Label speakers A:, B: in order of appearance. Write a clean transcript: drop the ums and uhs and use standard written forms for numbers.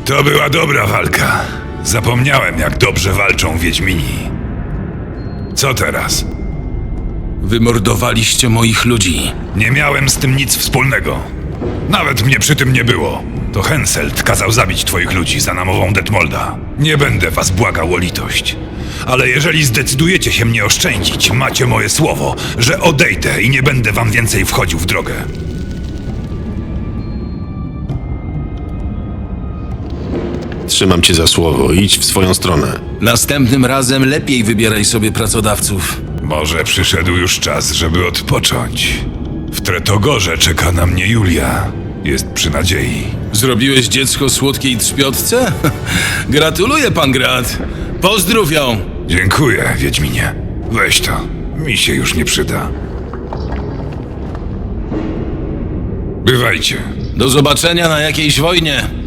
A: To była dobra walka. Zapomniałem, jak dobrze walczą Wiedźmini. Co teraz?
B: Wymordowaliście moich ludzi.
A: Nie miałem z tym nic wspólnego. Nawet mnie przy tym nie było. To Henselt kazał zabić twoich ludzi za namową Detmolda. Nie będę was błagał o litość. Ale jeżeli zdecydujecie się mnie oszczędzić, macie moje słowo, że odejdę i nie będę wam więcej wchodził w drogę.
C: Trzymam cię za słowo. Idź w swoją stronę.
B: Następnym razem lepiej wybieraj sobie pracodawców.
A: Może przyszedł już czas, żeby odpocząć. W Tretogorze czeka na mnie Julia. Jest przy nadziei.
B: Zrobiłeś dziecko słodkiej trzpiotce? Gratuluję, pan Grat. Pozdrów ją.
A: Dziękuję, Wiedźminie. Weź to. Mi się już nie przyda. Bywajcie.
B: Do zobaczenia na jakiejś wojnie.